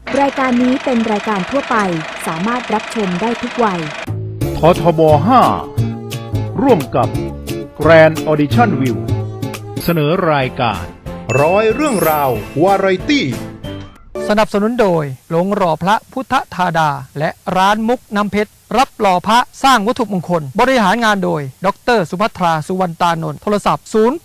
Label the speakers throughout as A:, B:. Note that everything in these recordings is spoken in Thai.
A: รายการนี้เป็นรายการทั่วไปสามารถรับชมได้ทุกวัย
B: ททบ 5 ร่วมกับ Grand Audition View เสนอรายการ
C: ร้อยเรื่องราววาไรตี้
D: สนับสนุนโดยโรงหล่อพระพุทธธาดาและร้านมุกน้ำเพชรรับหล่อพระสร้างวัตถุมงคลบริหารงานโดยดร.สุภัทราสุวรรณตานนท์โทรศัพท์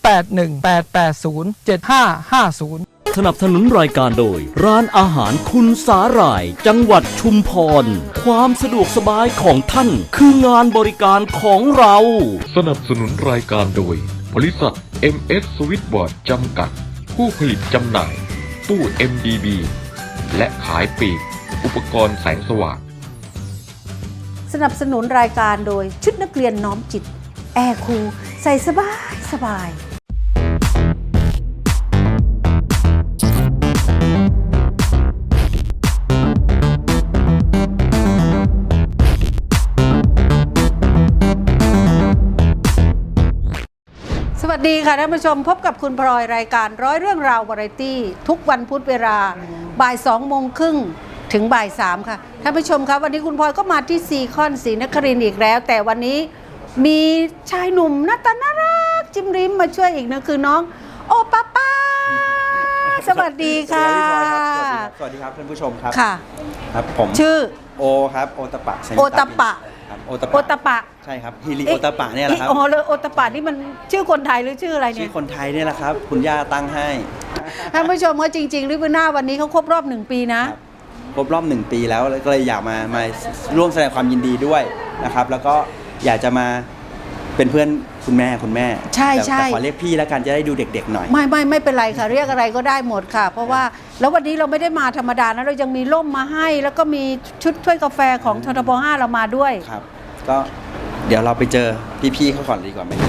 D: 0818807550
E: สนับสนุนรายการโดยร้านอาหารคุณสาหร่ายจังหวัดชุมพรความสะดวกสบายของท่านคืองานบริการของเรา
F: สนับสนุนรายการโดยบริษัท MS Switchboard จำกัดผู้ผลิตจำหน่ายตู้ MDB และขายปลีกอุปกรณ์แสงสว่าง
G: สนับสนุนรายการโดยชุดนักเรียนน้อมจิตแอร์คูลใส่สบายสบายสวัสดีค่ะท่านผู้ชมพบกับคุณพลอยรายการร้อยเรื่องราววาไรตี้ทุกวันพุธเวลาบ่าย2:30ถึงบ่าย3ค่ะท่านผู้ชมครับวันนี้คุณพลอยก็มาที่ซีคอนศรีนครินทร์อีกแล้วแต่วันนี้มีชายหนุ่มหน้าตาน่ารักจิ้มริมมาช่วยอีกนะคือน้องโอป้าป้าสวัสดีค่ะ
H: สวัสดีครับท่านผู้ชมครับ
G: ค่ะ
H: ครับผม
G: ชื่อ
H: โอครับโอตะปะ
G: โอตะปะ
H: โอ
G: ตะปะ
H: ใช่ครับฮิริโอตะปะเนี่ยแหละครับ
G: โอ้โอตะปะนี่มันชื่อคนไทยหรือชื่ออะไรเนี่ย
H: ชื่อคนไทยเนี่ยแหละครับคุณย่าตั้งให้
G: ท่านผู้ชมว่าจริงๆริบบิ้นหน้าวันนี้เขาครบรอบ1 ปีนะ
H: ครบรอบ1 ปีแล้วก็เลยอยากมาร่วมแสดงความยินดีด้วยนะครับแล้วก็อยากจะมาเป็นเพื่อนคุณแม่
G: ใช่
H: แต่ขอเรียกพี่แล้วกันจะได้ดูเด็กๆหน่อย
G: ไม่เป็นไรค่ะเรียกอะไรก็ได้หมดค่ะเพราะว่าแล้ววันนี้เราไม่ได้มาธรรมดานะเรายังมีร่มมาให้แล้วก็มีชุดถ้วยกาแฟของททบ 5เรามาด้วย
H: ครับก็เดี๋ยวเราไปเจอพี่ๆเขาก่อนดีกว่าไหม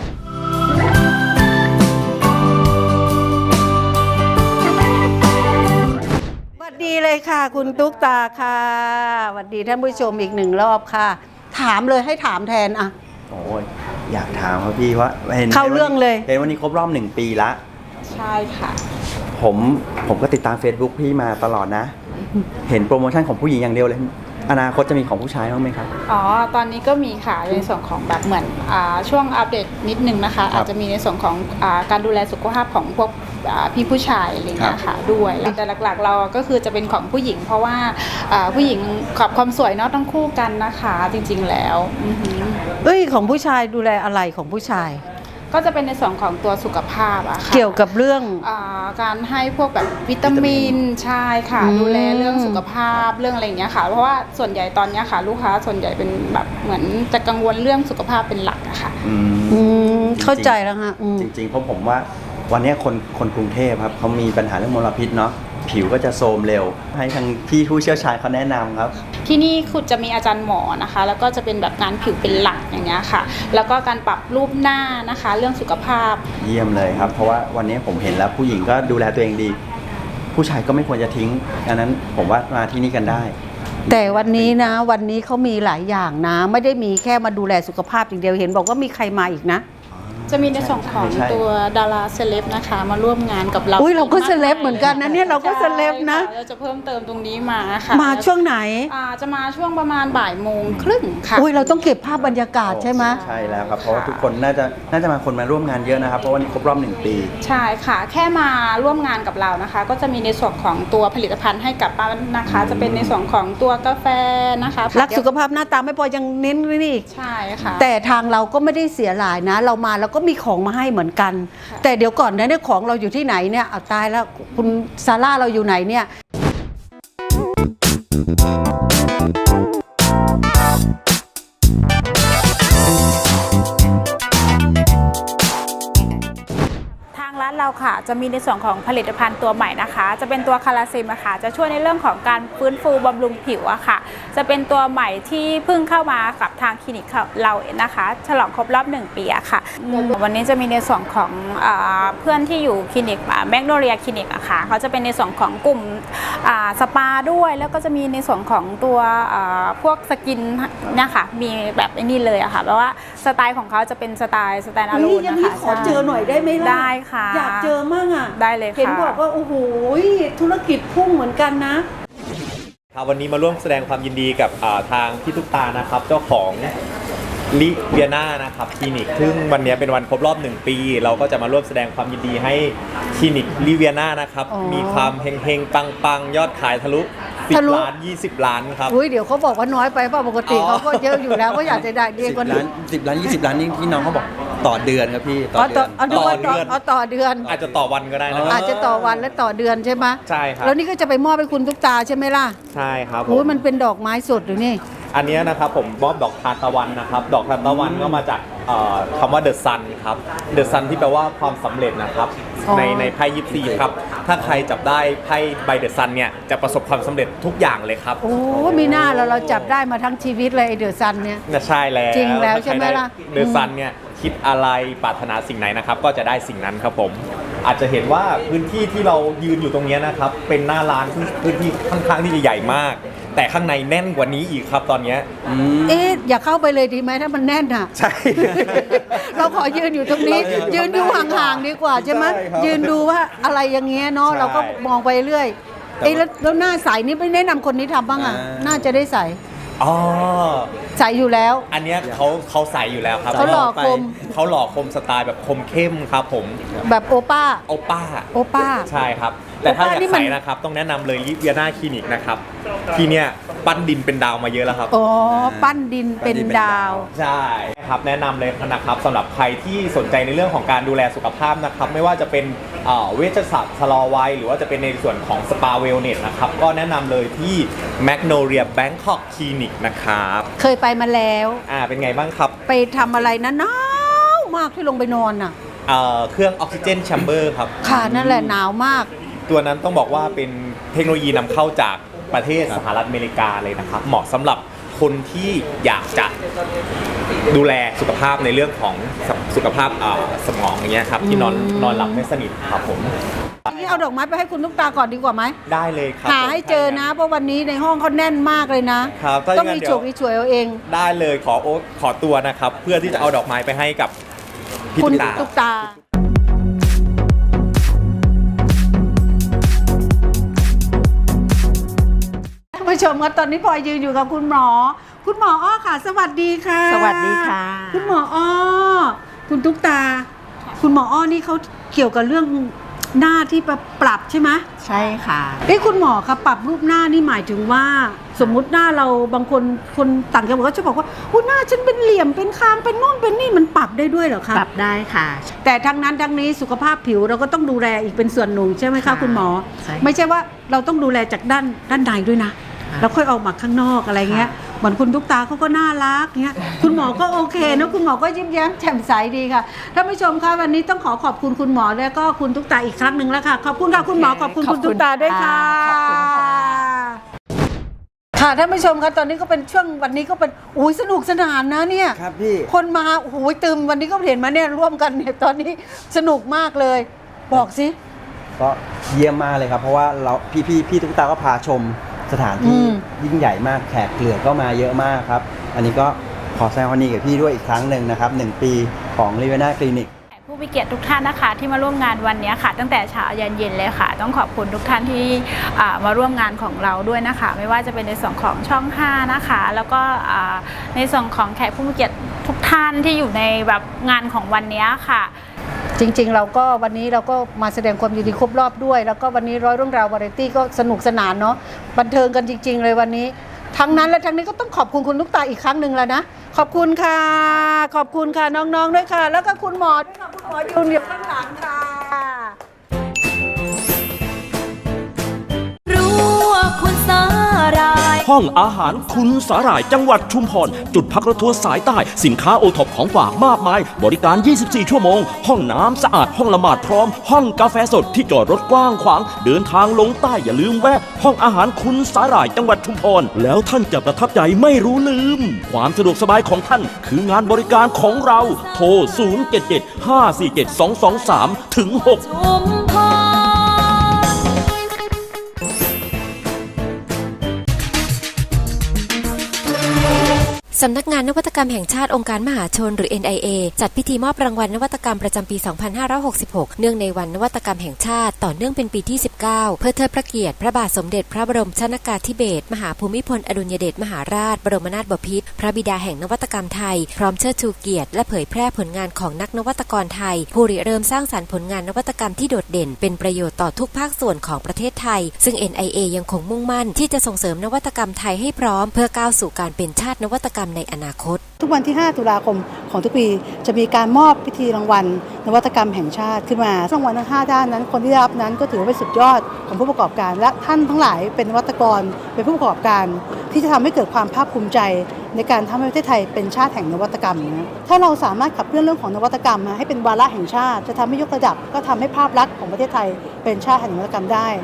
G: สวัสดีเลยค่ะคุณตุ๊กตาค่ะสวัสดีท่านผู้ชมอีก1 รอบค่ะถามเลยให้ถามแทนอะ
H: โอ้ยอยากถามครับพี่ว่า
G: เข้าเรื่องเลย
H: เห็นวันนี้ครบรอบ1 ปีละ
G: ใช่ค่ะ
H: ผมก็ติดตาม Facebook พี่มาตลอดนะเห็นโปรโมชั่นของผู้หญิงอย่างเดียวเลยอนาคตจะมีของผู้ชายบ้างไหมครับ
I: อ๋อตอนนี้ก็มีค่ะในส่วนของแบบเหมือนช่วงอัปเดตนิดนึงนะคะอาจจะมีในส่วนของการดูแลสุขภาพของพวกพี่ผู้ชายอะไรเงี้ยค่ะด้วยแต่หลักๆเราก็คือจะเป็นของผู้หญิงเพราะว่าผู้หญิงกับความสวยเนาะต้องคู่กันนะคะจริงๆแล้ว
G: ของผู้ชายดูแลอะไรของผู้ชาย
I: ก็จะเป็นในส่วนของตัวสุขภาพอะค่ะ
G: เกี่ยวกับเรื่อง
I: การให้พวกแบบวิตามินใช่ค่ะดูแลเรื่องสุขภาพเรื่องอะไรอย่างเงี้ยค่ะเพราะว่าส่วนใหญ่ตอนนี้ค่ะลูกค้าส่วนใหญ่เป็นแบบเหมือนจะกังวลเรื่องสุขภาพเป็นหลักอะค่ะ
G: เข้าใจแล้วค่ะ
H: จริงๆเพราะผมว่าวันนี้คนกรุงเทพครับเขามีปัญหาเรื่องมลพิษเนาะผิวก็จะโทรมเร็วให้ทางพี่ผู้เชี่ยวชาญเขาแนะนำครับ
I: ที่นี่คุณจะมีอาจารย์หมอนะคะแล้วก็จะเป็นแบบงานผิวเป็นหลักอย่างเงี้ยค่ะแล้วก็การปรับรูปหน้านะคะเรื่องสุขภาพ
H: เยี่ยมเลยครับเพราะว่าวันนี้ผมเห็นแล้วผู้หญิงก็ดูแลตัวเองดีผู้ชายก็ไม่ควรจะทิ้งดังนั้นผมว่ามาที่นี่กันได้
G: แต่วันนี้เขามีหลายอย่างนะไม่ได้มีแค่มาดูแลสุขภาพอย่างเดียวเห็นบอกว่ามีใครมาอีกนะ
I: จะมีในส่วนของตัวดาราเซเลบนะคะมาร่วมงานกับเรา
G: เราก็เซเลบเหมือนกันนะเนี่ยเราก็เซเลบนะ
I: เราจะเพิ่มเติมตรงนี้มาค่ะ
G: มาช่วงไหน
I: จะมาช่วงประมาณ13:30ค่ะ
G: เราต้องเก็บภาพบรรยากาศใช่ไหม
H: ใช่แล้วครับเพราะว่าทุกคนน่าจะมาคนมาร่วมงานเยอะนะครับเพราะวันนี้ครบรอบ1 ปี
I: ใช่ค่ะแค่มาร่วมงานกับเรานะคะก็จะมีในส่วนของตัวผลิตภัณฑ์ให้กับป้านะคะจะเป็นในส่วนของตัวกาแฟนะคะ
G: รักสุขภาพหน้าตาไม่พอยังเน้นนี่
I: ใช่ค่ะ
G: แต่ทางเราก็ไม่ได้เสียหลายนะเรามาแล้วก็มีของมาให้เหมือนกันแต่เดี๋ยวก่อนนะเนี่ยของเราอยู่ที่ไหนเนี่ยเอาตายแล้วคุณซาร่าเราอยู่ไหนเนี่ย
I: ร้านเราค่ะจะมีในส่วนของผลิตภัณฑ์ตัวใหม่นะคะจะเป็นตัวคาราซิมอะค่ะจะช่วยในเรื่องของการฟื้นฟูบำรุงผิวอะค่ะจะเป็นตัวใหม่ที่เพิ่งเข้ามากับทางคลินิกเรานะคะฉลองครบรอบ1 ปีอะค่ะวันนี้จะมีในส่วนของเพื่อนที่อยู่คลินิกแมกโนเลียคลินิกอะค่ะเขาจะเป็นในส่วนของกลุ่มสปาด้วยแล้วก็จะมีในส่วนของตัวพวกสกินนะคะมีแบบนี้เลยอะค่ะแปลว่าสไตล์ของเขาจะเป็นสไตล์อะลูนนะคะ
G: ขอเจอหน่อยได้ไหมล่ะ
I: ได้ค่ะ
G: อยากเจอมากอ่ะ
I: ได้เลยค่ะ
G: เห็นบอกว่าโอ้โหธุรกิจพุ่งเหมือนกันนะ
J: ครับวันนี้มาร่วมแสดงความยินดีกับทางพี่ตุ๊กตานะครับเจ้าของลิเวียนานะครับคลินิกซึ่งวันนี้เป็นวันครบรอบ1 ปีเราก็จะมาร่วมแสดงความยินดีให้คลินิกลิเวียนานะครับมีความเฮงๆปังๆยอดขายทะลุ10 ล้าน20 ล้านครับ
G: อุ้ยเดี๋ยวเขาบอกว่าน้อยไปป่ะปกติเขาก็เยอะอยู่แล้วก็อยากจะได้ดีกว่านี้
H: 10 ล้าน 20 ล้านนี่ที่น้องเขาบอกต่อเดือนครับพี่ต่อเดือน
G: ต่อเดือน
J: อาจจะต่อวันก็ได้นะครับ
G: อาจจะต่อวันและต่อเดือนใช่ไหม
J: ใช่ครับ
G: แล้วนี่ก็จะไปมอบให้คุณตุ๊กตาใช่ไหมล่ะ
J: ใช่ครับผม
G: โอ้ยมันเป็นดอกไม้สดหรือนี่
J: อันนี้นะครับผมมอบดอกทานตะวันนะครับดอกทานตะวันก็มาจากคำว่าเดอะซันครับเดอะซันที่แปลว่าความสำเร็จนะครับในไพ่ยิปซีครับถ้าใครจับได้ไพ่ใบเดอะซันเนี่ยจะประสบความสำเร็จทุกอย่างเลยครับ
G: โอ้มีหน้าเราจับได้มาทั้งชีวิตเลยไอเดอะซันเนี่ย
J: ใช่แล้ว
G: จริงแล้วใช่ไหมล่ะ
J: เดอะซันเนี่ยคิดอะไรปรารถนาสิ่งไหนนะครับก็จะได้สิ่งนั้นครับผมอาจจะเห็นว่าพื้นที่ที่เรายืนอยู่ตรงนี้นะครับเป็นหน้าร้านพื้นที่ค่อนข้างที่จะใหญ่มากแต่ข้างในแน่นกว่านี้อีกครับตอนนี้
G: อย่าเข้าไปเลยดีไหมถ้ามันแน่นอ่ะ
J: ใช่
G: เราขอยืนอยู่ตรงนี้ยืนอยู่ห่างๆดีกว่าใช่ไหมยืนดูว่าอะไรอย่างเงี้ยเนาะเราก็มองไปเรื่อยแล้วหน้าใสนี่ไม่แนะนำคนนี้ทำบ้างอ่ะน่าจะได้ใสใสอยู่แล้ว
J: อันนี้เขาใสอยู่แล้วครับ
G: เขาหล่อคม
J: สไตล์แบบคมเข้มครับผม
G: แบบโอป้า
J: ใช่ครับแต่ถ้าอยากใสนะครับต้องแนะนำเลยลิเวียนาคลินิกนะครับที่เนี่ยปั้นดินเป็นดาวมาเยอะแล้วครับ
G: ปั้นดินเป็นดาว
J: ใช่ครับแนะนำเลยนะครับสำหรับใครที่สนใจในเรื่องของการดูแลสุขภาพนะครับไม่ว่าจะเป็นเวชศาสตร์ชะลอวัยหรือว่าจะเป็นในส่วนของสปาเวลเนสนะครับก็แนะนำเลยที่แมกโนเลียแบงคอกคลินิกนะครับ
G: เคยไปมาแล้ว
J: เป็นไงบ้างครับ
G: ไปทำอะไรนะหนาวมากที่ลงไปนอนอ่ะ
J: เครื่องออกซิเจนแชมเบอร์ครับ
G: ค่ะนั่นแหละหนาวมาก
J: ตัวนั้นต้องบอกว่าเป็นเทคโนโลยีนำเข้าจากประเทศสหรัฐอเมริกาเลยนะครับเหมาะสำหรับคนที่อยากจะดูแลสุขภาพในเรื่องของสุขภาพสมองอย่างเงี้ยครับที่นอนหลับไม่สนิทครับผม
G: นี่เอาดอกไม้ไปให้คุณตุ๊กตาก่อนดีกว่าไหม
J: ได้เลยครับ
G: หาให้เจอนะเพราะวันนี้ในห้องเขาแน่นมากเลยนะครับต้องมีฉุกมีช่วยเอาเอง
J: ได้เลยขอตัวนะครับเพื่อที่จะเอาดอกไม้ไปให้กับพี่ตุ๊กตา
G: ผู้ชมครับตอนนี้พลอยยืนอยู่กับคุณหมออ้อค่ะสวัสดีค่ะ
K: สวัสดีค่ะ
G: คุณหมออ้อคุณตุ๊กตาคุณหมออ้อนี่เขาเกี่ยวกับเรื่องหน้าที่ปรับใช่ไหม
K: ใช่ค่ะ
G: คุณหมอคะปรับรูปหน้านี่หมายถึงว่าสมมุติหน้าเราบางคนต่างจังหวัดก็จะบอกว่าหน้าฉันเป็นเหลี่ยมเป็นคางเป็นนู่นเป็นนี่มันปรับได้ด้วยเหรอคะ
K: ปรับได้ค่ะ
G: แต่ทั้งนั้นทั้งนี้สุขภาพผิวเราก็ต้องดูแลอีกเป็นส่วนหนึ่งใช่ไหมคะคุณหมอไม่ใช่ว่าเราต้องดูแลจากด้านในด้วยนะแล้วค่อยออกมาข้างนอกอะไรเงี้ยเหมือนคุณตุ๊กตาเขาก็น่ารักเงี้ยคุณหมอก็โอเคนะคุณหมอก็ยิ้มแย้มแจ่มใสดีค่ะท่านผู้ชมคะวันนี้ต้องขอบคุณคุณหมอและก็คุณตุ๊กตาอีกครั้งหนึ่งแล้วค่ะขอบคุณค่ะคุณหมอขอบคุณคุณตุ๊กตาด้วยค่ะค่ะท่านผู้ชมคะตอนนี้ก็เป็นช่วงวันนี้ก็เป็นสนุกสนานนะเนี่ย
H: ครับพี่
G: คนมาตึมวันนี้ก็เห็นมาเนี่ยร่วมกันเนี่ยตอนนี้สนุกมากเลยบอกสิ
H: ก็เยี่ยมมากเลยครับเพราะว่าเราพี่ตุ๊กตาก็พาชมสถานที่ยิ่งใหญ่มากแขกเหลือก็มาเยอะมากครับอันนี้ก็ขอแสดงความยินดีกับพี่ด้วยอีกครั้งหนึ่งนะครับ1 ปีของลิเวียนาคลินิก
I: ผู้มีเกียรติทุกท่านนะคะที่มาร่วมงานวันนี้ค่ะตั้งแต่เช้ายันเย็นเลยค่ะต้องขอบคุณทุกท่านที่มาร่วมงานของเราด้วยนะคะไม่ว่าจะเป็นในส่วนของช่อง5นะคะแล้วก็ในส่วนของแขกผู้มีเกียรติทุกท่านที่อยู่ในแบบงานของวันนี้ค่ะ
G: จริงๆเราก็วันนี้เราก็มาแสดงความยินดีครบรอบด้วยแล้วก็วันนี้ร้อยเรื่องราววาไรตี้ก็สนุกสนานเนาะบันเทิงกันจริงๆเลยวันนี้ทั้งนั้นและทั้งนี้ก็ต้องขอบคุณคุณตุ๊กตาอีกครั้งหนึ่งแล้วนะขอบคุณค่ะขอบคุณค่ะน้องๆด้วยค่ะแล้วก็คุณหมอด้วยค่ะคุณหมอยืนอยู่ข้างหลังค่ะ
E: รู้ว่าคุณสาหร่ายห้องอาหารคุณสาหร่ายจังหวัดชุมพรจุดพักรถทัวร์สายใต้สินค้าโอท็อปของฝากมากมายบริการ24ชั่วโมงห้องน้ำสะอาดห้องละหมาดพร้อมห้องกาแฟสดที่จอดรถกว้างขวางเดินทางลงใต้อย่าลืมแวะห้องอาหารคุณสาหร่ายจังหวัดชุมพรแล้วท่านจะประทับใจไม่รู้ลืมความสะดวกสบายของท่านคืองานบริการของเราโทร077-547-223-6
L: สำนักงานนวัตกรรมแห่งชาติองค์การมหาชนหรือ NIA จัดพิธีมอบรางวัลนวัตกรรมประจำปี 2566 เนื่องในวันนวัตกรรมแห่งชาติต่อเนื่องเป็นปีที่ 19 เพื่อเทิดพระเกียรติพระบาทสมเด็จพระบรมชนกาธิเบศรมหาภูมิพลอดุลยเดชมหาราชบรมนาถบพิตรพระบิดาแห่งนวัตกรรมไทยพร้อมเชิดชูเกียรติและเผยแพร่ผลงานของนักนวัตกรไทยผู้ริเริ่มสร้างสรรค์ผลงานนวัตกรรมที่โดดเด่นเป็นประโยชน์ต่อทุกภาคส่วนของประเทศไทยซึ่ง NIA ยังคงมุ่งมั่นที่จะส่งเสริมนวัตกรรมไทยให้พร้อมเพื่อก้าวสู่การเป็นชาตินวัตกรรมในอนาคต
G: ทุกวันที่ 5 ตุลาคมของทุกปีจะมีการมอบพิธีรางวัลนวัตกรรมแห่งชาติขึ้นมารางวัลทั้ง5ด้านนั้นคนที่ได้รับนั้นก็ถือว่าเป็นสุดยอดของผู้ประกอบการและท่านทั้งหลายเป็นนวัตกรเป็นผู้ประกอบการที่จะทำให้เกิดความภาคภูมิใจในการทำให้ประเทศไทยเป็นชาติแห่งนวัตกรรมนะถ้าเราสามารถขับเคลื่อนเรื่องของนวัตกรรมให้เป็นวาระแห่งชาติจะทำให้ยกระดับก็ทำให้ภาพลักษณ์ของประเทศไทยเป็นชาติแห่งนวัตกรรมได้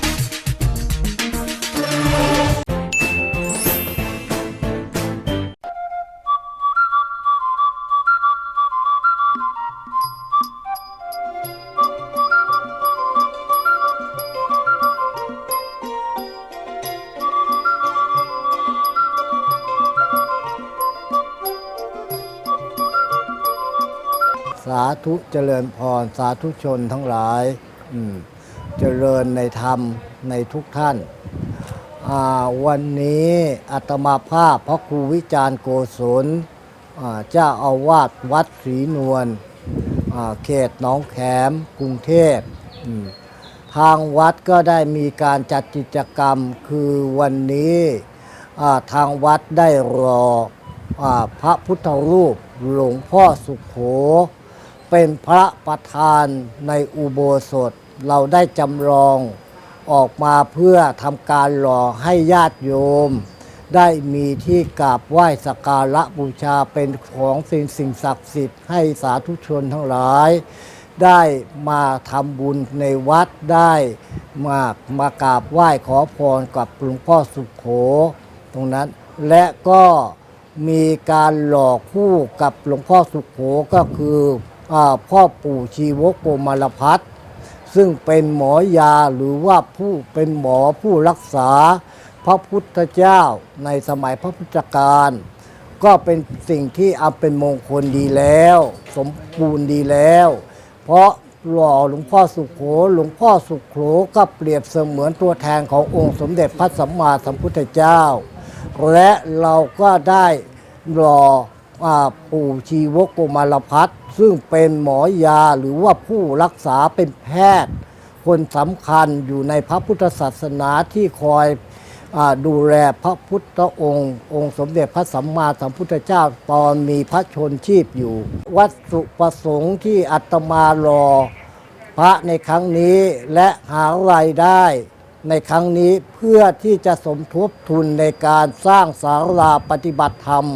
M: สาธุเจริญพรสาธุชนทั้งหลายเจริญในธรรมในทุกท่านวันนี้อาตมาภาพพระครูวิจารณ์โกศลเจ้าอาวาสวัดศรีนวลเขตหนองแขมกรุงเทพทางวัดก็ได้มีการจัดกิจกรรมคือวันนี้ทางวัดได้รอพระพุทธรูปหลวงพ่อสุโขเป็นพระประธานในอุโบสถเราได้จำลองออกมาเพื่อทำการหล่อให้ญาติโยมได้มีที่กราบไหว้สักการะบูชาเป็นของสิ่งศักดิ์สิทธิ์ให้สาธุชนทั้งหลายได้มาทำบุญในวัดได้มากราบไหว้ขอพรกับหลวงพ่อสุโขตรงนั้นและก็มีการหล่อคู่กับหลวงพ่อสุโขก็คือพ่อปู่ชีวโกมารพัฒน์ซึ่งเป็นหมอยาหรือว่าผู้เป็นหมอผู้รักษาพระพุทธเจ้าในสมัยพระพุทธกาลก็เป็นสิ่งที่เป็นมงคลดีแล้วสมบูรณ์ดีแล้วเพราะหล่อหลวงพ่อสุโขหลวงพ่อสุโขก็เปรียบเสมือนตัวแทนขององค์สมเด็จพระสัมมาสัมพุทธเจ้าและเราก็ได้รอปู่ชีวโกมารพัฒน์ซึ่งเป็นหมอยาหรือว่าผู้รักษาเป็นแพทย์คนสำคัญอยู่ในพระพุทธศาสนาที่คอยดูแลพระพุทธองค์สมเด็จพระสัมมาสัมพุทธเจ้าตอนมีพระชนชีพอยู่วัตถุประสงค์ที่อาตมารอพระในครั้งนี้และหารายได้ในครั้งนี้เพื่อที่จะสมทบทุนในการสร้างศาลาปฏิบัติธรรม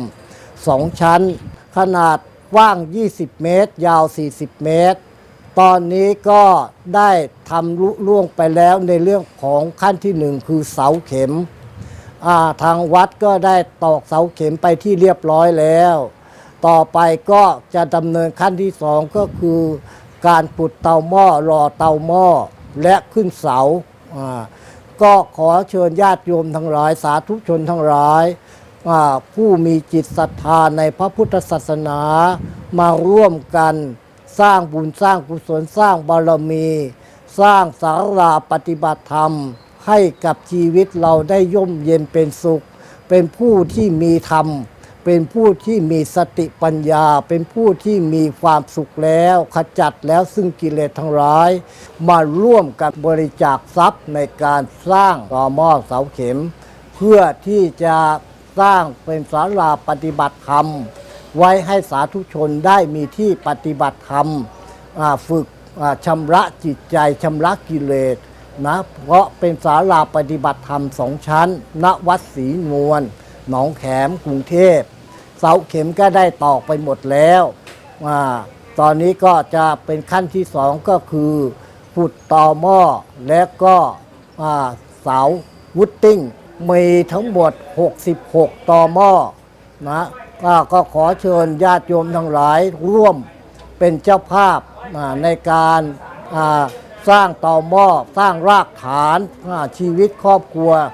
M: 2 ชั้นขนาดกว้าง20 เมตรยาว40 เมตรตอนนี้ก็ได้ทำลุล่วงไปแล้วในเรื่องของขั้นที่1คือเสาเข็มทางวัดก็ได้ตอกเสาเข็มไปที่เรียบร้อยแล้วต่อไปก็จะดำเนินขั้นที่2ก็คือการปุดเตาหม้อรอเตาหม้อและขึ้นเสาก็ขอเชิญญาติโยมทั้งหลายสาธุชนทั้งหลายผู้มีจิตศรัทธาในพระพุทธศาสนามาร่วมกันสร้างบุญสร้างกุศลสร้างบารมีสร้างศาลาปฏิบัติธรรมให้กับชีวิตเราได้ย่มเย็นเป็นสุขเป็นผู้ที่มีธรรมเป็นผู้ที่มีสติปัญญาเป็นผู้ที่มีความสุขแล้วขจัดแล้วซึ่งกิเลสทั้งหลายมาร่วมกันบริจาคทรัพย์ในการสร้างต่อหม้อเสาเข็มเพื่อที่จะสร้างเป็นศาลาปฏิบัติธรรมไว้ให้สาธุชนได้มีที่ปฏิบัติธรรมฝึกชำระจิตใจชำระกิเลสนะเพราะเป็นศาลาปฏิบัติธรรม2 ชั้นณวัดศรีนวลหนองแขมกรุงเทพเสาเข็มก็ได้ตอกไปหมดแล้วตอนนี้ก็จะเป็นขั้นที่2ก็คือขุดต่อหม้อและก็เสาวุดติ้งมีทั้งหมด66ต่อหม้อนะก็ขอเชิญญาติโยมทั้งหลายร่วมเป็นเจ้าภาพในการสร้างต่อหม้อสร้างรากฐานชีวิตครอบครัว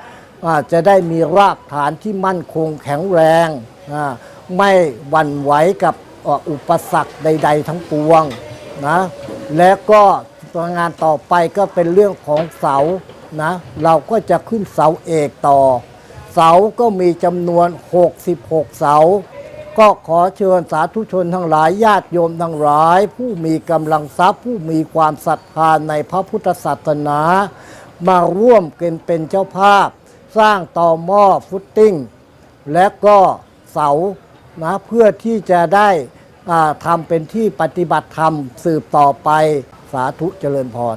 M: จะได้มีรากฐานที่มั่นคงแข็งแรงไม่หวั่นไหวกับอุปสรรคใดๆทั้งปวงนะและก็งานต่อไปก็เป็นเรื่องของเสานะเราก็จะขึ้นเสาเอกต่อเสาก็มีจำนวน66เสาก็ขอเชิญสาธุชนทั้งหลายญาติโยมทั้งหลายผู้มีกำลังทรัพย์ผู้มีความศรัทธาในพระพุทธศาสนามาร่วมกันเป็นเจ้าภาพสร้างต่อหม้อฟุตติ้งและก็เสานะเพื่อที่จะได้ทำเป็นที่ปฏิบัติธรรมสืบต่อไปสาธุเจริญพร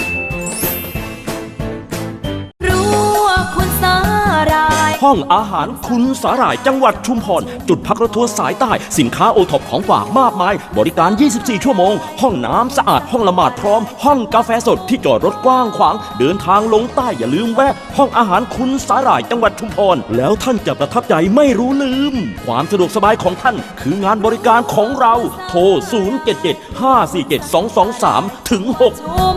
E: ห้องอาหารคุณสาหร่ายจังหวัดชุมพรจุดพักรถทัวร์สายใต้สินค้าโอท็อปของฝากมากมายบริการ 24 ชั่วโมงห้องน้ำสะอาดห้องละหมาดพร้อมห้องกาแฟสดที่จอดรถกว้างขวางเดินทางลงใต้อย่าลืมแวะห้องอาหารคุณสาหร่ายจังหวัดชุมพรแล้วท่านจะประทับใจไม่รู้ลืมความสะดวกสบายของท่านคืองานบริการของเราโทร 077-547-223 ถึง 6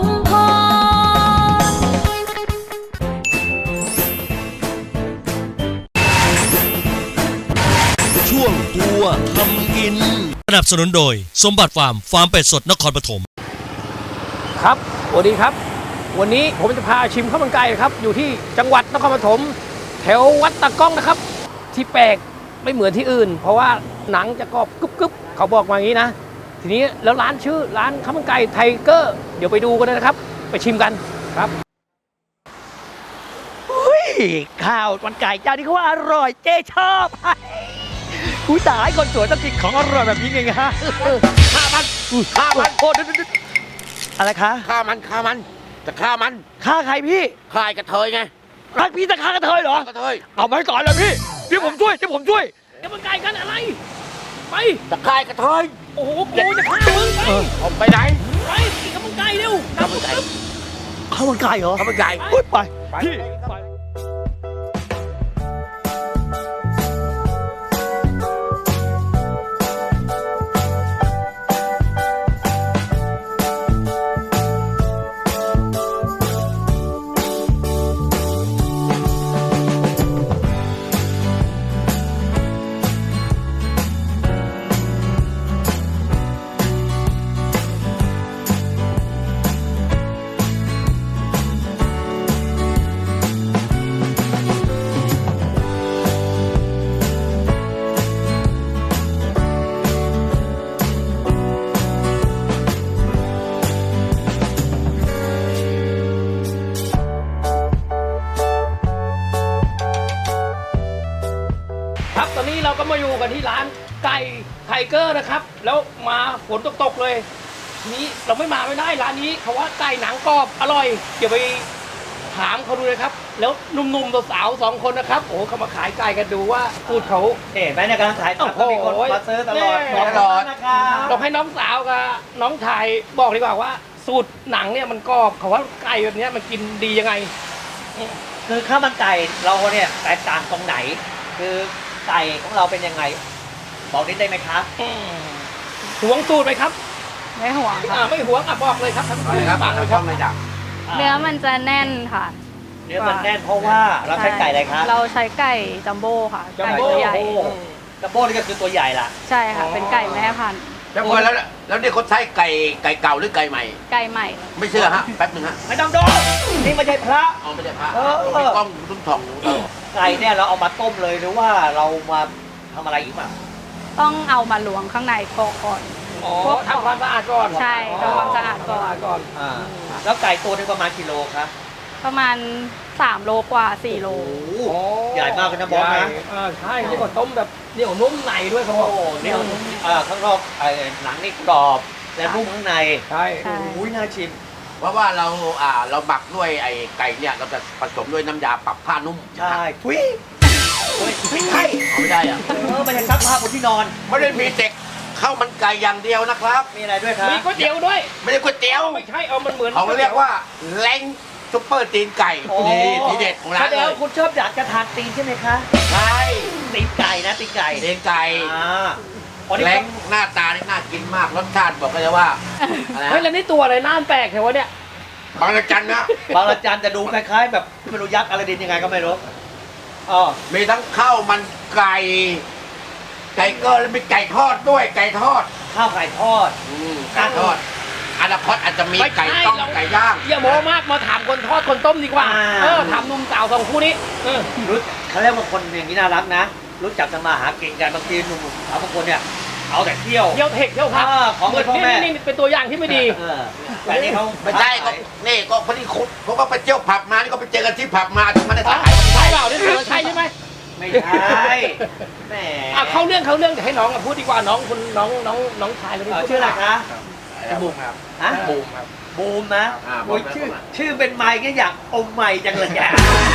N: ช่วงตัวทำกินสนับสนุนโดยสมบัติฟาร์มเป็ดสดนครปฐม
D: ครับสวัสดีครับวันนี้ผมจะพาชิมข้าวมันไก่ครับอยู่ที่จังหวัดนครปฐมแถววัดตะก้องนะครับที่แปลกไม่เหมือนที่อื่นเพราะว่าหนังจะกรอบกรึบๆเขาบอกมาอย่างนี้นะทีนี้แล้วร้านชื่อร้านข้าวมันไก่ไทเกอร์เดี๋ยวไปดูกันเลยนะครับไปชิมกันครับ
O: ข้าวมันไก่เจ้านี้เขาว่าอร่อยเจ๊ชอบผู้ตายคนสวยต้องกินของอร่อยแบบนี้ไงฮะฆ่ามันโอ้อะไรคะฆ่ามันจะฆ่ามันฆ่าใครพี่ฆ่ากระเทยไงรักพี่จะฆ่ากระเทยเหรอกระเทยเอาไปก่อนเลยพี่เดี๋ยวผมช่วยจะมันไก่กันอะไรไปจะฆ่ากระเทยโอ้โหกูจะฆ่ามึงไปไหนไปกินข้าวมันไก่เร็วข้าวมันไก่เหรอข้าวมันไก่ไปพี่ตอนนี้เราก็มาอยู่กันที่ร้านไก่ไทเกอร์นะครับแล้วมาฝนตกเลยทีนี้เราไม่ได้ร้านนี้เขาว่าไก่หนังกรอบอร่อยเดี๋ยวไปถามเขาดูเลยครับแล้วหนุ่มๆสาวๆ2คนนะครับโอ้เขามาขายไก่กันดูว่าสูตรเขา
H: เห็นไหมในการขายก็มีคนมาซื้อตลอด
D: ต้องให้น้องสาวกับน้องชายบอกดีกว่าว่าสูตรหนังเนี่ยมันกรอบเขาว่าไก่แบบนี้มันกินดียังไง
O: คือข้าวมันไก่เราเนี่ยแตกต่างตรงไหนคือไก่ของเราเป็นยังไงบอกนิดได้ไหมครับ
D: หวงสูตรไหมครับ
P: ไม่หวงค่ะ
D: ไม่หวงบอกเลยครับ
O: ฝากเลยครับ
P: เนื้อมันจะแน่นค่ะ
O: เนื้อมันแน่นเพราะว่าเราใช้ไก่อะไรครับ
P: เราใช้ไก่จัมโบ้ค่ะไก่ตัวใหญ่
O: จัมโบ้นี่ก็คือตัวใหญ่ล่ะ
P: ใช่ค่ะเป็นไก่แม่พันธุ์
Q: แล้วเนี่ยเขาใช้ไก่เก่าหรือไก่ใหม่
P: ไก่ใหม่
Q: ไม่เชื่อฮะแป๊บนึงฮะ
O: ไม่ต้องดูนี่ไม่ใช่พระ
Q: ไม่ใช่พระมีกล้องรุ่นทอง
O: ไก่เนี่ยเราเอามาต้มเลยหรือว่าเรามาทำอะไรอีกบ้าง
P: ต้องเอามาลวงข้างในก่อน
D: ทำความสะอาดก่อน
P: ใช่ทำความสะอาดก่อน
O: แล้วไก่ตัวนึงประมาณกี่โลครับ
P: ประมาณ3 โลกว่า4 โล
O: ใหญ่มากเลยนะบอสนะ
D: ใช่นี่ก็ต้มแบบเหนียวนุ่มในด้วยครับ
O: เนี่ยข้างนอกหนังนี่กรอบและนุ่มข้างใน
D: ใช่
O: อุ้ยน่าชิม
Q: เพราะว่าเราหมักด้วยไอ้ไก่เนี่ยเราจะผสมด้วยน้ำยาปรับผ้านุ่ม
O: ใช่ทุย
Q: ไม่ใช่ไม่ได้อะ
O: มันจะซักผ้าบนที่นอน
Q: ไม่ได้มีเด็กข้าวมันไก่อย่างเดียวนะครับ
O: มีอะไรด้วยครับ
D: มีก๋วยเตี๋ยวด้วย
Q: ไม่ได้ก๋วยเตี๋ยว
D: ไม่ใช่มันเหมือน
Q: เขาเรียกว่าแรงซุปเปอร์ตีนไก่นี่ทีเด็ดของร้าน
O: เลยคุณชอบอยากจะทานตีนใช่ไหมคะ
Q: ใช่
O: ตีนไก่นะตีนไก่
Q: แรงหน้าตานี่น่ากินมากรสชาติบอกเลยว่า
D: เฮ้ยแล้วนี่ตัวอะไรน่าแปลกแถวเนี่ย
Q: บางระจันนะ
O: บางระจันจะดูคล้ายๆแบบไม่รู้ยักษ์อะไรดินยังไงก็ไม่รู้
Q: มีทั้งข้าวมันไก่ไก่เกอร์แล้วมีไก่ทอดด้วยไก่ทอด
O: ข้าวไก่ทอด
Q: ไก่ทอดอนาคตอาจจะมีไก่ต้มไก่ย่าง
D: อย่าโม้มากมาถามคนทอดคนต้มดีกว่าถามหนุ่มสาวสองคู่นี้
O: รู้เขาเรียกว่าคนอย่างนี้น่ารักนะรู้จักทำมาหากินกันบางทีหนุ่มสาวบางคนเนี่ยเอาแต่เที่ยว
D: เทคเที่ยวพัก
O: ของเงินพ่อแม่
D: นี่เป็นตัวอย่างที่ไม่ดี
O: แต่นี่เขา
Q: ไม่ใช่ก็นี่ก็พอดีคุณเขาก็ไปเที่ยวผับมานี่ก็ไปเจอกันที่ผับมาถึงมันได้ถ่าย
D: ใช่เปล่านี่เธอใช่ใช่ไหม
O: ไม่ใช่แหม
D: เข้าเรื่องเดี๋ยวให้น้องพูดดีกว่าน้องคุณน้องชายเลย
O: ชื่ออะไรคะ
Q: บูมครับบูมครับ
O: บูมนะโอ้ยชื่อเป็นไมค์ก็อยากอมไมค์จังเลยแก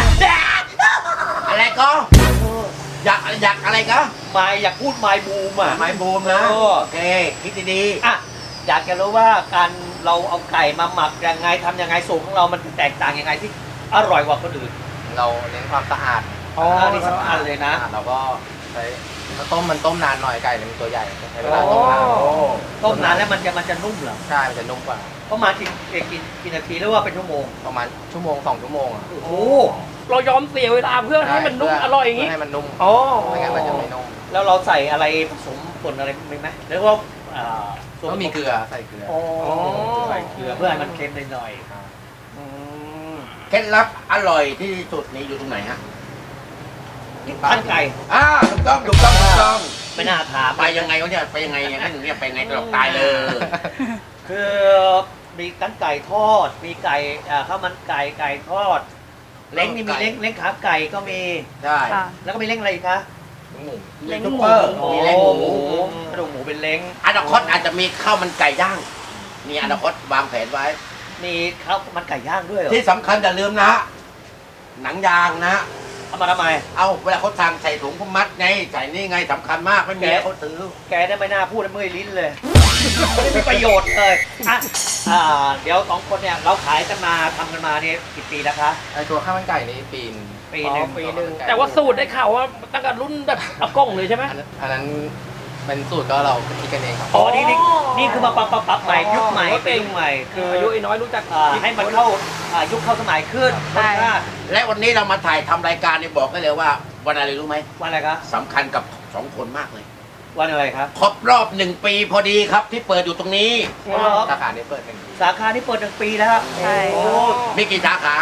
Q: อะไรก็อยากอะไรก็
O: ไมค์อยากพูดไมค์บูมอ่ะ
Q: ไมค์บูมนะโอเคคิดดี
O: ๆอ่ะอยากจะรู้ว่าการเราเอาไก่มาหมักยังไงทำยังไงสูตรของเรามันแตกต่างยังไงที่อร่อยกว่าคนอื่น
R: เราเน้นความสะอาด
O: นี่สำคัญเลยนะ
R: เราก็ใช้มันต้มนานหน่อยไก่มันตัวใหญ่ใช้เวลา
O: ต้มนานแล้วมันจะนุ่มเหรอ
R: ใช่มันจะนุ่มกว่า
O: ประมาณกี่นาทีหรือว่าเป็นชั่วโมง
R: ประมาณชั่วโมง2 ชั่วโมง
O: โอ้
D: เรายอมเสียเวลาเพื่อให้มันนุ่มอร่อยอย่างนี้
R: ให้มันนุ่ม
O: ไม่งั้นมันจะไม่นุ่มแล้วเราใส่อะไรผสมผงอะไรไหมแล้วก็
R: ก็มีเกลือใส่เกลือ
O: ใส่เกลือเพื่อให้มันเค็มหน่อย
Q: เคล็ดลับอร่อยที่สุดนี้อยู่ตรงไหนฮะ
O: ขั้นไก่
Q: ถูกต้อง
O: ไม่น่าถาม
Q: ไปยังไงเขาเนี่ยไปยังไงอย่างนั้นอย่างนี้ไปยังไงตลอดตายเลย
O: คือมีกั้นไก่ทอดมีไก่ข้าวมันไก่ทอดเล้งนี่มีเล้งขาไก่ก็มี
Q: ได้
O: แล้วก็มีเล้งอะไรอีกคะ
Q: เล้งซุปเปอร์มีเล้งหมู
O: กระดูกหมูเป็นเล้ง
Q: อนาคตอาจจะมีข้าวมันไก่ย่างมีอนาคตวางแผนไว้
O: มีข้าวมันไก่ย่างด้วย
Q: ที่สำคัญอย่าลืมนะหนังยางนะ
O: เอามาทำไม
Q: เอาเวลาเขาทางใส่ถุงเขามัดไงใส่นี่ไงสำคัญมากไม่มีเขาซื้อ
O: แกได้ไม่น่าพูดเมื่อยลิ้นเลยไม่มีประโยชน์เลยเดี๋ยว2 คนเนี่ยเราขายกันมาทำกันมาเนี่ยกี่ปีแล้วคะ
R: ตัวข้าวมันไก่นี่ปีห
D: นึ่งแต่ว่าสูตรได้ข่าวว่าตั้งแต่รุ่นแบบอากงเลยใช่ไหม
R: อันนั้นเป็นสูตรก็เราคิดกันเองครับ
O: นี่คือมาปรับใหม่ยุคใหม่เป็นยุคใหม่คือ
D: อายุน้อยรู้จัก
O: ให้มันเข้ายุคเข้าสมัยขึ้น
Q: และวันนี้เรามาถ่ายทำรายการนี่บอกได้เลยว่าวันอะไรรู้ไหม
O: วันอะไรครับ
Q: สำคัญกับ2 คนมากเลย
O: วันอะไรครับ
Q: ครบรอบ1 ปีพอดีครับที่เปิดอยู่ตรงนี้
R: สาขานี้เปิด1 ปี
O: สาขานี้เปิด1 ปีแล้วครับ
P: ใช่
Q: มีกี่สาขา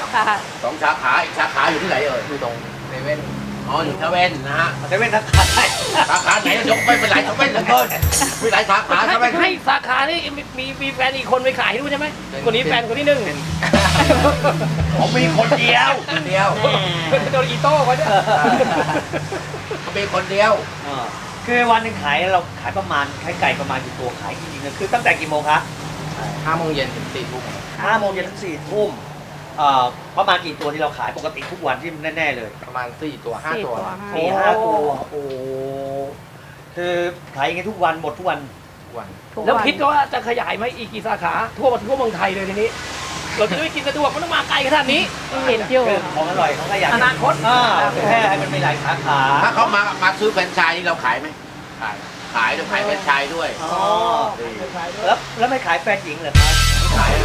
Q: 2 สาขาอีกสาขาอยู่ที่ไหน
R: อยู่ตรงเซเว่น
Q: อยู่เซเว่นนะฮะ
O: เซเว่นสาขาไหน
Q: สาขาไหนยกไปเป็นหลายเซเว่นเหลือเกินมีหลายสาขา
D: เซเว่นให้สาขานี่มีแฟนอีกคนไปขายด้วยใช่ไหมคนนี้แฟนคนที่1
Q: ผมมีคนเดียว
D: โดนอีโต้เขาเนี่ย
Q: เขามีคนเดียว
O: คือวันนึงขายเราขายประมาณขายไก่ประมาณกี่ตัวขายจริงๆคือตั้งแต่กี่โมงคะ
R: 5 โมงเย็นถึง4 ทุ่ม
O: 5 โมงเย็นถึง4 ทุ่มประมาณกี่ตัวที่เราขายปกติทุกวันที่แน่ๆเลย
R: ประมาณ4 ตัว 5 ตัว
O: 4-5 ตัวโอ้คือขายอย่างงี้ทุกวันหมดทุกวัน
D: แล้วคิดว่าจะขยายไหมอีกกี่สาขาทั่วเมืองไทยเลยทีนี้เราจะได้กินสะดวกมันต้องมาไกลขนาดนี้
P: เห็นอยู่
O: ของอร่อยเขาก็อยาก
D: อนาคต
O: แค่ให้มันมีหลายสาขา
Q: ถ้าเขามาซื้อแฟรนไชส์นี่เราขายไหมขายด้วยขายแฟรนไชส์ด้วย
O: แล้วไม่ขายแฟนหญิงเหรอครับ
Q: ขาย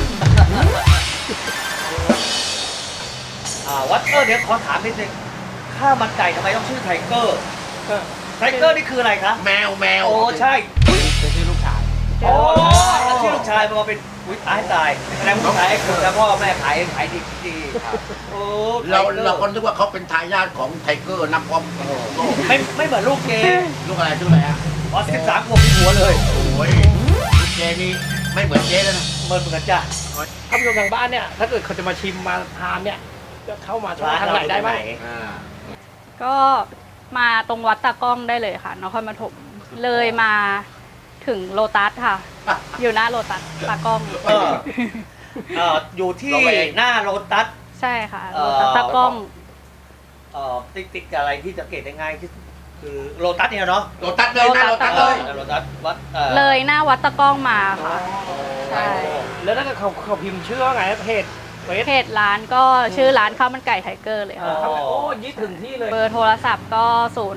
O: วัดเดี๋ยวขอถามนิดนึงข้าวมันไก่ทำไมต้องชื่อไทเกอร์นี่คืออะไรคะ
Q: แมว
O: โอ้ใช่
R: เป็นชื่อลูกชาย
O: ชื่อลูกชายมาเป็นตายแล้วลูกชายคือแล้วพ่อแม่ขายดี
Q: เราคนนึกว่าเขาเป็นทายาทของไทเกอร์นักความ
O: ไม่เหมือนลูกเจ
Q: ลูกอะไรชื่ออะไรฮะ
O: 13 ขวบที่หัวเลย
Q: โอ้ยลูกเจนี่ไม่เหมือนเจแล้วนะ
O: เหมือนจ้ะ
D: ท่านผู้ชมทางบ้านเนี่ยถ้าเกิดเขาจะมาชิมมาทานเนี่ยจะเข้ามาทางไหนได้ไหม
P: ก็มาตรงวัดตากล้องได้เลยค่ะนครปฐมเลยมาถึงโลตัสค่ะอยู่หน้าโลตัสตากล้อง
O: อยู่ที่หน้าโลตัส
P: ใช่ค่ะโลตัสตากล้อง
O: ติ๊กอะไรที่สังเกตได้ง่ายที่คือโลตัสเนี่ยเนาะ
Q: โลตัสเลยหน้าโลตัสเลย
O: โลตัสวัด
P: เลยหน้าวัดตากล้องมาค่ะใช่
D: แล้วถ้าเขาพิมพ์ชื่อว่าไงเพ
P: จร้านก็ชื่อร้านข้าวมันไก่ไทเกอร์เลยค่ะ
D: โอ้ยี่ถึงที่เลย
P: เบอร์โทรศัพท์ก็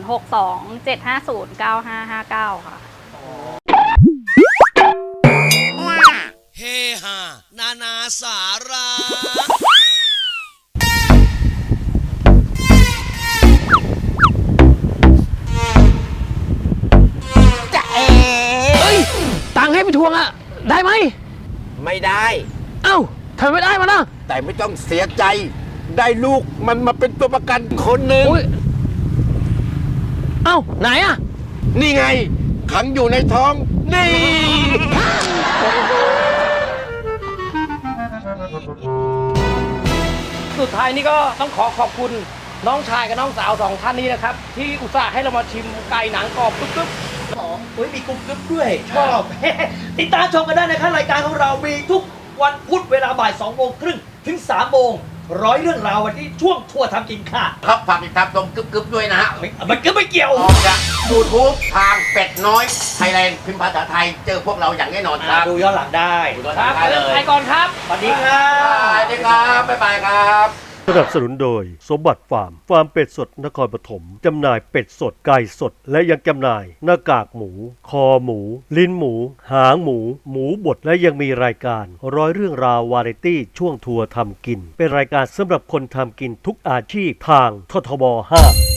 P: 0627509559ค่ะ
N: เฮฮานานาสาระ
D: วงอะได้ไหม
Q: ไม่ได้
D: เอ้าทำไมไม่ได้มานะ
Q: แต่ไม่ต้องเสียใจ ได้ลูกมันมาเป็นตัวประกันคนหนึ่ง
D: เอ้าไหนอะ
Q: นี่ไง ขังอยู่ในท้อง นี่
D: สุดท้ายนี่ก็ต้องขอขอบคุณน้องชายกับน้องสาวสองท่านนี้นะครับ ที่อุตส่าห์ให้เรามาชิมไก่หนังกรอบกรึบ
O: โอ้ยมีกรุ๊ปกึ๊บด้วย ชอบ ติดตามชมกันได้นะครับรายการของเรามีทุกวันพุธเวลาบ่าย2 โมงครึ่งถึง3 โมงร้อยเรื่องราววันที่ช่วงทัวร์ทำกินค่ะ
Q: ครับฝากติดตามตรงกึบๆด้วยนะฮะ
O: มันก็ไม่เกี่ยว
Q: ออกจาก YouTube ทางเป็ดน้อยไทยแลนด์พิมพ์ภาษาไทยเจอพวกเราอย่างแน่นอนครับ
O: ดูย้อนหลังได้
Q: ดูย้อนหลังได้เลย
D: ไปก่อนครับ
O: สวัสดีครับ
Q: สวัสดีครับ บ๊ายบายครับ
N: สนับสนุนโดยสมบัติฟาร์มเป็ดสดนครปฐมจำหน่ายเป็ดสดไก่สดและยังจำหน่ายหน้ากากหมู คอหมู ลิ้นหมู หางหมู หมูบดและยังมีรายการร้อยเรื่องราววาไรตี้ช่วงทัวร์ทำกิน เป็นรายการสำหรับคนทำกินทุกอาชีพทางททบ 5